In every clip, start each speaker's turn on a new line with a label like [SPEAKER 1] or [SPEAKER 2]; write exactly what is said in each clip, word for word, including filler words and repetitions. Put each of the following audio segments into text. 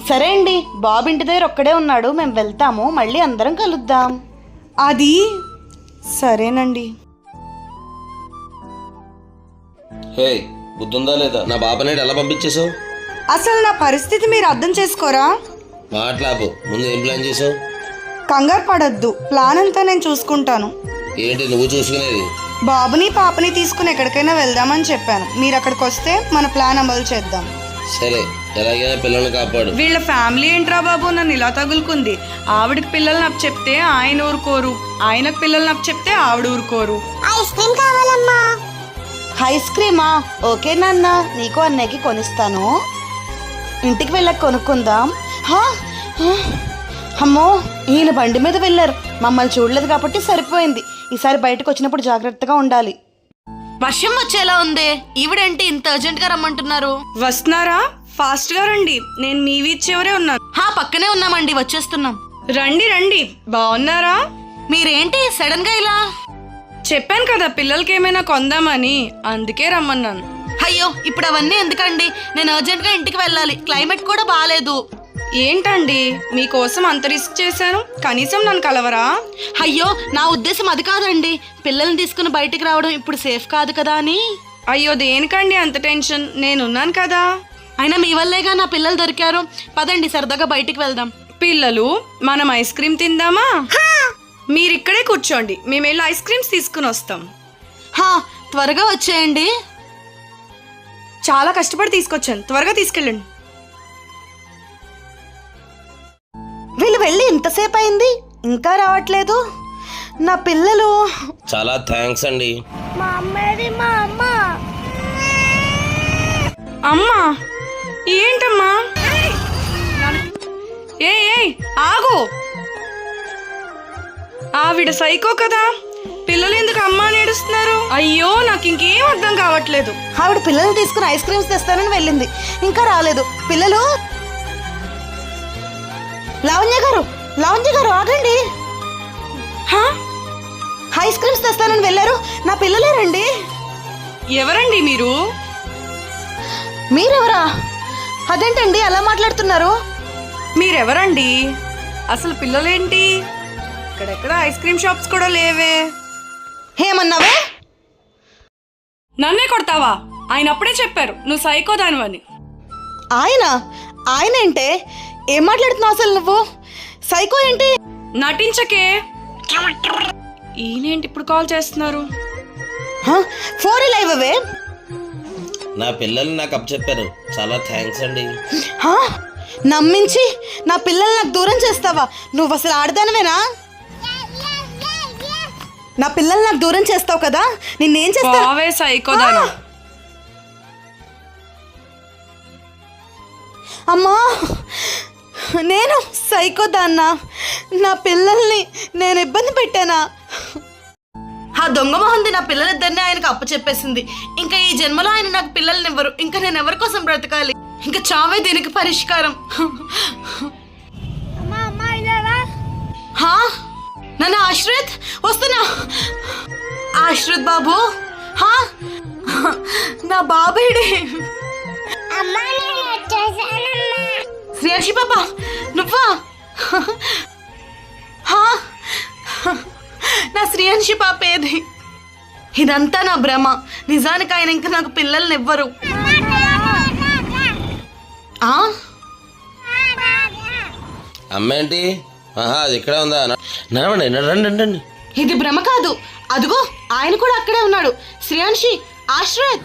[SPEAKER 1] సరే అండి, బాబు ఇంటి దగ్గర ఒక్కడే ఉన్నాడు, మేము వెళ్తాము, మళ్ళీ అందరం కలుద్దాం.
[SPEAKER 2] అది సరేనండి.
[SPEAKER 3] హే, బుద్ధుందా లేదా? నా బాబనేడు ఎలా పంపించేసావు?
[SPEAKER 2] అసలు నా పరిస్థితి మీరు అర్థం చేసుకోరా?
[SPEAKER 3] మాట్లాపు. ముందు ఏం ప్లాన్ చేసావు?
[SPEAKER 2] కంగారు పడద్దు, ప్లాన్ అంతా నేను చూసుకుంటాను.
[SPEAKER 3] ఏంటి నువ్వు చూసుకునేది?
[SPEAKER 2] బాబుని పాపని తీసుకుని ఎక్కడికైనా వెళ్దామని చెప్పాను. మీరు అక్కడికి వస్తే మన ప్లాన్ అమలు చేద్దాం.
[SPEAKER 3] సరే, ఎలాగైనా పిల్లల్ని కాపాడు.
[SPEAKER 2] వీళ్ళ ఫ్యామిలీ ఏంట్రా బాబు నన్ను ఇలా తగులుకుంది. ఆవిడకి పిల్లలు నాకు చెప్తే ఆయన ఊరుకోరు, ఆయనకు పిల్లలు నాకు చెప్తే ఆవిడ ఊరుకోరు.
[SPEAKER 4] ఐస్ క్రీమ్ కావాలమ్మా.
[SPEAKER 1] ఐస్ క్రీమా? ఓకే నాన్న, నీకు అన్నయ్యకి కొనిస్తాను. ఇంటికి వెళ్ళక కొనుక్కుందాం. హా, హా. అమ్మో, ఈయన బండి మీద వెళ్ళారు, మమ్మల్ని చూడలేదు కాబట్టి సరిపోయింది. ఈసారి బయటకు వచ్చినప్పుడు జాగ్రత్తగా ఉండాలి. వర్షం వచ్చేలా ఉంది, ఈవిడేంటి ఇంత అర్జెంట్ గా రమ్మంటున్నారు?
[SPEAKER 2] వస్తున్నారా? ఫాస్ట్ గా రండి, నేను మీ వీధి చివరే ఉన్నాను.
[SPEAKER 1] హా, పక్కనే ఉన్నామండి, వచ్చేస్తున్నాం.
[SPEAKER 2] రండి రండి. బాగున్నారా?
[SPEAKER 1] మీరేంటి సడన్ గా ఇలా?
[SPEAKER 2] చెప్పాను కదా పిల్లలకి ఏమైనా కొందామని, అందుకే రమ్మన్నాను.
[SPEAKER 1] అయ్యో, ఇప్పుడు అవన్నీ ఎందుకండి? నేను అర్జెంట్ గా ఇంటికి వెళ్ళాలి, క్లైమేట్ కూడా బాగాలేదు.
[SPEAKER 2] ఏంటండి మీకోసం అంత రిస్క్ చేశాను, కనీసం నన్ను కలవరా?
[SPEAKER 1] అయ్యో, నా ఉద్దేశం అది కాదండి, పిల్లల్ని తీసుకుని బయటికి రావడం ఇప్పుడు సేఫ్ కాదు కదా అని.
[SPEAKER 2] అయ్యో దేనికండి అంత టెన్షన్, నేనున్నాను కదా.
[SPEAKER 1] అయినా మీ వల్లేగా నా పిల్లలు దొరికారు. పదండి సరదాగా బయటికి వెళ్దాం.
[SPEAKER 2] పిల్లలు, మనం ఐస్ క్రీమ్ తిందామా? మీరు ఇక్కడే కూర్చోండి, మేము వెళ్ళి ఐస్ క్రీమ్స్ తీసుకుని వస్తాం.
[SPEAKER 1] హా, త్వరగా వచ్చేయండి.
[SPEAKER 2] చాలా కష్టపడి తీసుకొచ్చాను, త్వరగా తీసుకెళ్ళండి.
[SPEAKER 1] వీళ్ళు వెళ్ళి ఇంతసేపు అయింది, ఇంకా రావట్లేదు. నా పిల్లలు.
[SPEAKER 3] చాలా థ్యాంక్స్ అండి.
[SPEAKER 4] మా అమ్మది మా అమ్మ.
[SPEAKER 2] అమ్మా, ఏంటమ్మా? ఏ ఏ ఆగు. ఆవిడ సైకో కదా, పిల్లలు ఎందుకు అమ్మా నేడుస్తున్నారు? అయ్యో, నాకు ఇంకేం అర్థం కావట్లేదు.
[SPEAKER 1] ఆవిడ పిల్లల్ని తీసుకుని ఐస్ క్రీమ్స్ తెస్తానని వెళ్ళింది, ఇంకా రాలేదు. పిల్లలు. లావణ్య గారు, లావణ్య గారు ఆగండి.
[SPEAKER 2] హా?
[SPEAKER 1] ఐస్ క్రీమ్స్ తెస్తానని వెళ్ళారు, నా పిల్లలేరండి.
[SPEAKER 2] ఎవరండి మీరు?
[SPEAKER 1] మీరెవరా? అదేంటండి అలా మాట్లాడుతున్నారు?
[SPEAKER 2] మీరెవరండి? అసలు పిల్లలేంటి? ఇక్కడెక్కడ ఐస్ క్రీమ్ షాప్స్ కూడా లేవే.
[SPEAKER 1] ఏమన్నావే?
[SPEAKER 2] నన్నే కొడతావా? ఆయన అప్పుడే చెప్పారు నువ్వు సైకో దానివని.
[SPEAKER 1] ఆయన? ఆయన ఏంటే? ఏం మాట్లాడుతున్నావు అసలు నువ్వు? సైకో ఏంటి?
[SPEAKER 2] నటించకే. ఈయనేంటి ఇప్పుడు కాల్ చేస్తున్నారు?
[SPEAKER 1] ఫోన్ ఇలా ఇవ్వవే.
[SPEAKER 3] నా పిల్లల్ని నాకు అప్పచెప్పారు, చాలా థ్యాంక్స్ అండి.
[SPEAKER 1] హా? నమ్మించి నా పిల్లల్ని నాకు దూరం చేస్తావా? నువ్వు అసలు ఆడదానవేనా? నా పిల్లల్ని నాకు దూరం చేస్తావు కదా, నిన్నేం చేస్తా?
[SPEAKER 2] సైకో దాని.
[SPEAKER 1] అమ్మా, నేను సైకో దాన్నా? నా పిల్లల్ని నేను ఇబ్బంది పెట్టానా? ఆ దొంగ మొహంది నా పిల్లలిద్దరిని ఆయనకు అప్పు చెప్పేసింది. ఇంకా ఈ జన్మలో ఆయన నాకు పిల్లల్ని ఇవ్వరు. ఇంకా నేను ఎవరి కోసం బ్రతకాలి? ఇంకా చావే దీనికి పరిష్కారం. హా, నన్ను ఆశ్రిత్, వస్తున్నా. ఆశ్రిత్ బాబు. హా, నా బాబేడి. శ్రేయాషి పాప, నువ్వా? హా, నా శ్రేయాన్షి పాప ఏది? ఇదంతా నా భ్రమ. నిజానికి ఆయన ఇంకా నాకు పిల్లల్ని ఇవ్వరు.
[SPEAKER 3] అమ్మ ఏంటి? ఆహా, అది ఇక్కడే ఉందా? నడవండి, రండి రండి.
[SPEAKER 1] ఇది భ్రమ కాదు, అదిగో ఆయన కూడా అక్కడే ఉన్నాడు. శ్రేయాన్షి, ఆశ్రత్,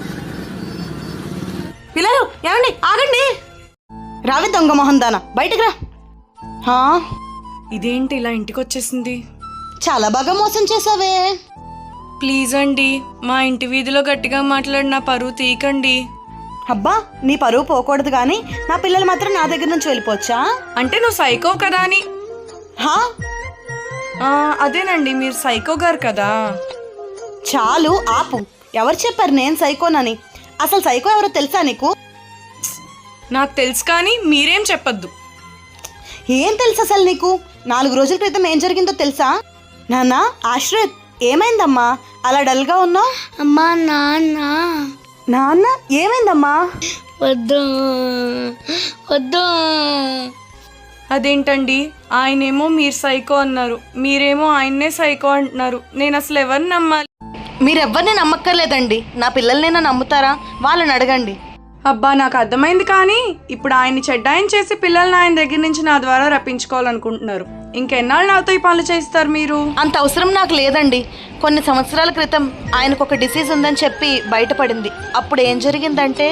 [SPEAKER 1] పిల్లలు ఏమండి, ఆగండి. రావి దొంగ మొహం దానా, బయటకు రా. హా,
[SPEAKER 2] ఇదేంటి ఇలా ఇంటికి వచ్చేసింది?
[SPEAKER 1] చాలా బాగా మోసం చేసావే.
[SPEAKER 2] ప్లీజ్ అండి, మా ఇంటి వీధిలో గట్టిగా మాట్లాడి నా పరువు తీయకండి.
[SPEAKER 1] అబ్బా, నీ పరువు పోకూడదు కానీ నా పిల్లలు మాత్రం నా దగ్గర నుంచి వెళ్ళిపోవచ్చా?
[SPEAKER 2] అంటే నువ్వు సైకో కదా అని.
[SPEAKER 1] హా,
[SPEAKER 2] అదేనండి, మీరు సైకో గారు కదా.
[SPEAKER 1] చాలు ఆపు. ఎవరు చెప్పారు నేను సైకోనని? అసలు సైకో ఎవరో తెలుసా నీకు?
[SPEAKER 2] నాకు తెలుసు కానీ మీరేం చెప్పొద్దు.
[SPEAKER 1] ఏం తెలుసు అసలు నీకు? నాలుగు రోజుల క్రితం ఏం జరిగిందో తెలుసా? నాన్న, ఆశ్రత్, ఏమైందమ్మా అలా డల్గా ఉన్నావు?
[SPEAKER 4] అమ్మా, నాన్న
[SPEAKER 1] నాన్న ఏమైందమ్మా?
[SPEAKER 4] వద్దు వద్దు.
[SPEAKER 2] అదేంటండి, ఆయనేమో మీరు సైకో అన్నారు, మీరేమో ఆయన్నే సైకో అంటున్నారు. నేను అసలు ఎవరిని నమ్మాలి?
[SPEAKER 1] మీరెవ్వరిని నమ్మక్కర్లేదండి. నా పిల్లల్నైనా నమ్ముతారా? వాళ్ళని అడగండి.
[SPEAKER 2] అబ్బా, నాకు అర్థమైంది. కానీ ఇప్పుడు ఆయన్ని చెడ్డాయని చేసి పిల్లల్ని ఆయన దగ్గర నుంచి నా ద్వారా రప్పించుకోవాలనుకుంటున్నారు. ఇంకెన్నాళ్ళు నాతో ఈ పనులు చేస్తారు మీరు?
[SPEAKER 1] అంత అవసరం నాకు లేదండి. కొన్ని సంవత్సరాల క్రితం ఆయనకు ఒక డిసీజ్ ఉందని చెప్పి బయటపడింది. అప్పుడు ఏం జరిగిందంటే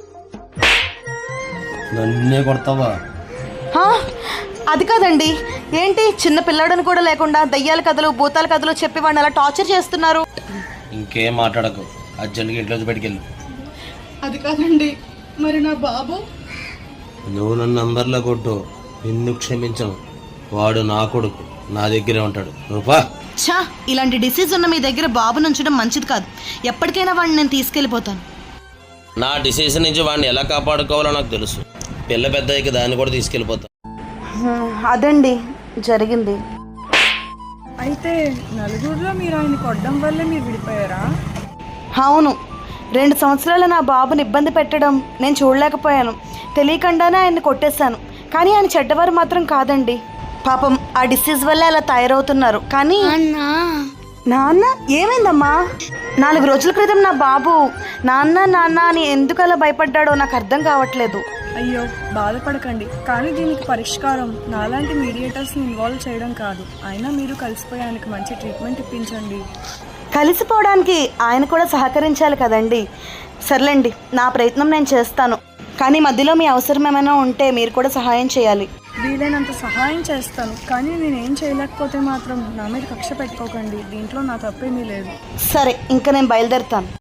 [SPEAKER 3] నన్నే కొడతావా?
[SPEAKER 1] హా, అది కాదండి. ఏంటి చిన్న పిల్లాడని కూడా లేకుండా దయ్యాల కథలు భూతాల కథలు చెప్పి వాడిని అలా టార్చర్ చేస్తున్నారు?
[SPEAKER 3] ఇంకేం మాట్లాడకు, అర్జెంట్గా ఇంట్లోకి బయటికెళ్ళు.
[SPEAKER 2] అది కాదండి, మరి నా బాబు?
[SPEAKER 3] నువ్వు నన్ను నంబర్లో కొట్టు, నిన్ను క్షమించను. వాడు నా కొడుకు, నా దగ్గరే ఉంటాడు. రూపా
[SPEAKER 1] ఛా, ఇలాంటి డిసీజ్ ఉన్న మీ దగ్గర బాబుని ఉంచడం మంచిది కాదు. ఎప్పటికైనా వాడిని నేను తీసుకెళ్ళిపోతాను.
[SPEAKER 3] నా డిసీజ్ నుంచి వాడిని ఎలా కాపాడుకోవాలో నాకు తెలుసు. పిల్ల పెద్ద అయ్యాక దాన్ని కూడా తీసుకెళ్ళిపోతా.
[SPEAKER 1] అదండి జరిగింది.
[SPEAKER 2] అయితే నలుగురిలో మీరు ఆయన కొట్టడం వల్లే మీరు విడిపోయారా?
[SPEAKER 1] అవును, రెండు సంవత్సరాలు నా బాబుని ఇబ్బంది పెట్టడం నేను చూడలేకపోయాను. తెలియకుండానే ఆయన్ని కొట్టేశాను. కానీ ఆయన చెడ్డవారు మాత్రం కాదండి. పాపం ఆ డిసీజ్ వల్ల అలా తయారవుతున్నారు. కానీ
[SPEAKER 4] అన్నా
[SPEAKER 1] నాన్న ఏమైందమ్మా? నాలుగు రోజుల క్రితం నా బాబు నాన్న నాన్న అని ఎందుకు అలా భయపడ్డాడో నాకు అర్థం కావట్లేదు.
[SPEAKER 2] అయ్యో, బాధపడకండి. కానీ దీనికి పరిష్కారం నాలాంటి మీడియేటర్స్ని ఇన్వాల్వ్ చేయడం కాదు. అయినా మీరు కలిసిపోయి ఆయనకి మంచి ట్రీట్మెంట్ ఇప్పించండి.
[SPEAKER 1] కలిసిపోవడానికి ఆయన కూడా సహకరించాలి కదండి. సర్లేండి, నా ప్రయత్నం నేను చేస్తాను. కానీ మధ్యలో మీ అవసరం ఏమైనా ఉంటే మీరు కూడా సహాయం చేయాలి.
[SPEAKER 2] వీలైనంత సహాయం చేస్తాను. కానీ నేనేం చేయలేకపోతే మాత్రం నా మీద కక్ష పెట్టుకోకండి. దీంట్లో నా తప్పేమీ లేదు.
[SPEAKER 1] సరే, ఇంకా నేను బయలుదేరుతాను.